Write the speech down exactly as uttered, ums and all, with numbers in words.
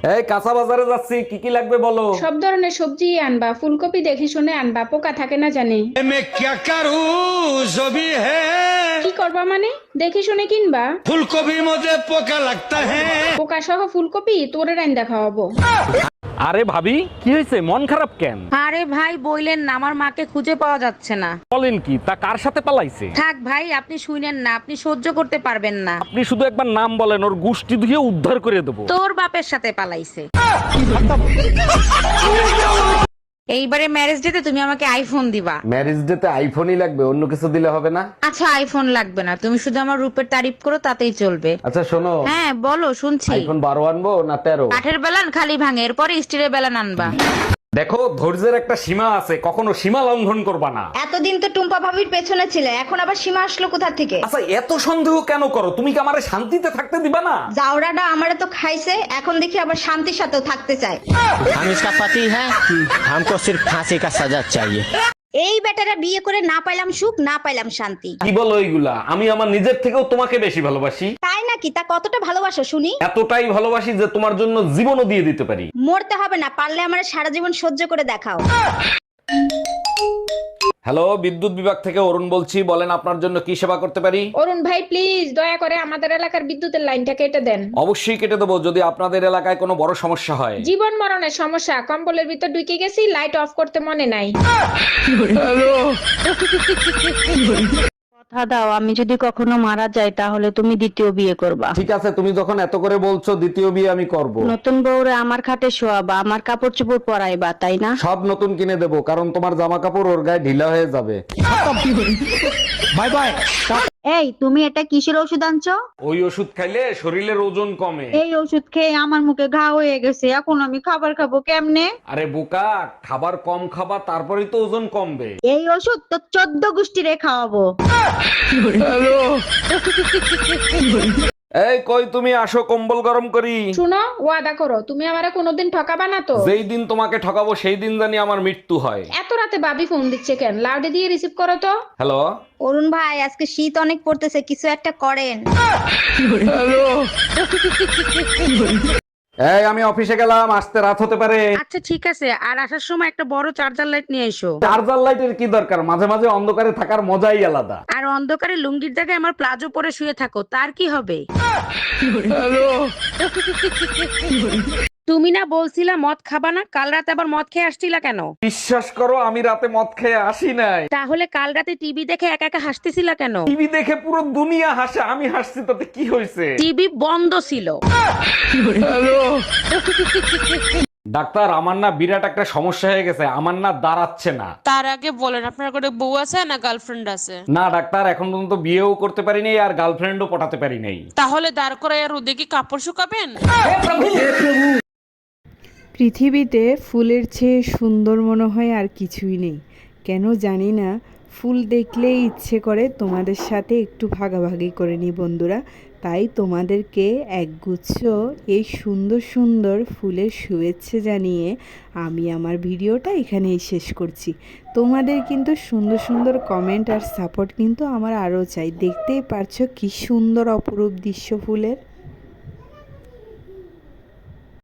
এই কাঁচা বাজারে যাচ্ছি, কি কি লাগবে বলো। সব ধরনের সবজি আনবা, ফুলকপি দেখে শুনে আনবা, পোকা থাকে না জানি। मैं क्या करूं जो भी है। কি করবা মানে? দেখে শুনে কিনবা। फूलगोभी मुझे पोका लगता है। পোকা সহ ফুলকপি তোরে রাইন্দা খাওয়াবো। আরে ভাবি, কি হয়েছে, মন খারাপ কেন? আরে ভাই বইলেন না, আমার মাকে খুঁজে পাওয়া যাচ্ছে না। বলেন কি, তা কার সাথে পালাইছে? থাক ভাই, আপনি শুনেন না, আপনি সহ্য করতে পারবেন না। আপনি শুধু একবার নাম বলেন, ওর গুষ্টি ধুয়ে উদ্ধার করে দেবো। তোর বাপের সাথে পালাইছে। এইবারে ম্যারেজ ডেতে তুমি আমাকে আইফোন দিবা। ম্যারেজ ডেতে আইফোনই লাগবে, অন্য কিছু দিলে হবে না? আচ্ছা আইফোন লাগবে না, তুমি শুধু আমার রূপের তারিফ করো তাতেই চলবে। আচ্ছা শোনো, হ্যাঁ বলো, শুনছি। আইফোন বারো আনবো না তেরো? কাঠের বেলান খালি ভাঙে, এরপরে স্টিলের বেলান আনবা। দেখো, ধৈর্যের একটা সীমা আছে, কখনো সীমা লঙ্ঘন করবা না। এতদিন তো টুম্পা ভাবির পেছনে ছিলে, এখন আবার সীমা আসলো কোথা থেকে? আচ্ছা এত সন্দেহ কেন করো? তুমি কি আমারে শান্তিতে থাকতে দিবা না? জাউরাটা আমারে তো খাইছে, এখন দেখি আবার শান্তির সাথেও থাকতে চায়। हम इसका पति है, हमको सिर्फ फांसी का सजा चाहिए। এই বেটারা বিয়ে করে না পাইলাম সুখ, না পাইলাম শান্তি। কি বলো এইগুলা? আমি আমার নিজের থেকেও তোমাকে বেশি ভালোবাসি। তাই নাকি? তা কতটা ভালোবাসো শুনি? এতটাই ভালোবাসি যে তোমার জন্য জীবনও দিয়ে দিতে পারি। মরতে হবে না, পারলে আমার সারা জীবন সহ্য করে দেখাও। হ্যালো, বিদ্যুৎ বিভাগ থেকে অরুণ বলছি, বলেন আপনার জন্য কি সেবা করতে পারি? অরুণ ভাই প্লিজ দয়া করে আমাদের এলাকার বিদ্যুতের লাইনটা কেটে দেন। অবশ্যই কেটে দেবো, যদি আপনাদের এলাকায় কোনো বড় সমস্যা হয়। জীবন মরণের সমস্যা, কম্বলের ভিতর ঢুকে গেছি, লাইট অফ করতে মনে নাই। কথা দাও, আমি যদি কখনো মারা যাই তাহলে তুমি দ্বিতীয় বিয়ে করবা। ঠিক আছে, তুমি যখন এত করে বলছো, দ্বিতীয় বিয়ে আমি করব। নতুন বউরে আমার খাটে শোয়াবা, আমার কাপড় চোপড় পরাইবা, তাই না? সব নতুন কিনে দেবো, কারণ তোমার জামা কাপড় ওর গায়ে ঢিলা হয়ে যাবে। Bye bye. এই তুমি এটা কিসের ওষুধ আনছো? ওই ওষুধ খাইলে শরীরের ওজন কমে। এই ওষুধ খেয়ে আমার মুখে ঘা হয়ে গেছে, এখন আমি খাবার খাবো কেমনে? আরে বোকা, খাবার কম খাবা, তারপরেই তো ওজন কমবে। এই ওষুধ তো চোদ্দ গোষ্ঠীরে খাওয়াবো। এই কই তুমি, আসো কম্বল গরম করি। শুনো, ওয়াদা করো তুমি আমারে কোনোদিন ঠকাবা না তো। যেই দিন তোমাকে ঠকাবো সেই দিন জানি আমার মৃত্যু হয়। এত রাতে ভাবি ফোন দিচ্ছে কেন? লাউডে দিয়ে রিসিভ করো তো। হ্যালো, অরুণ ভাই আজকে শীত অনেক পড়তেছে, কিছু একটা করেন। এই আমি অফিসে গেলাম, আসতে রাত হতে পারে। আচ্ছা ঠিক আছে, আর আসার সময় একটা বড় চার্জার লাইট নিয়ে এসো। চার্জার লাইটের কি দরকার? মাঝে মাঝে অন্ধকারে থাকার মজাই আলাদা। আর অন্ধকারে লুঙ্গির জায়গায় আমার প্লাজো পরে শুয়ে থাকো, তার কি হবে? তুমি না বলছিলা মদ খাবা না, কাল রাতে আবার মদ খেয়ে আসছিলা কেন? বিশ্বাস করো, আমি রাতে মদ খেয়ে আসি নাই। তাহলে কাল রাতে টিভি দেখে একা একা হাসতেছিলা কেন? টিভি দেখে পুরো দুনিয়া হাসে, আমি হাসছি তাতে কি হয়েছে? টিভি বন্ধ ছিল। ডাক্তার, আমার না বিরাট একটা সমস্যা হয়ে গেছে, আমার না দাঁড়াচ্ছে না। তার আগে বলেন আপনার কোনো বউ আছে না গার্লফ্রেন্ড আছে? না ডাক্তার, এখন পর্যন্ত বিয়েও করতে পারি নাই, আর গার্লফ্রেন্ডও পটাতে পারি নাই। তাহলে দাঁড় করায় আর ওদিকে কাপড় শুকাবেন। পৃথিবীতে ফুলের চেয়ে সুন্দর মনে হয় আর কিছুই নেই। কেন জানি না, ফুল দেখলেই ইচ্ছে করে তোমাদের সাথে একটু ভাগাভাগি করে নিই বন্ধুরা। তাই তোমাদেরকে একগুচ্ছ এই সুন্দর সুন্দর ফুলের শুভেচ্ছা জানিয়ে আমি আমার ভিডিওটা এখানেই শেষ করছি। তোমাদের কিন্তু সুন্দর সুন্দর কমেন্ট আর সাপোর্ট কিন্তু আমার আরও চাই। দেখতেই পারছো কি সুন্দর অপরূপ দৃশ্য ফুলের।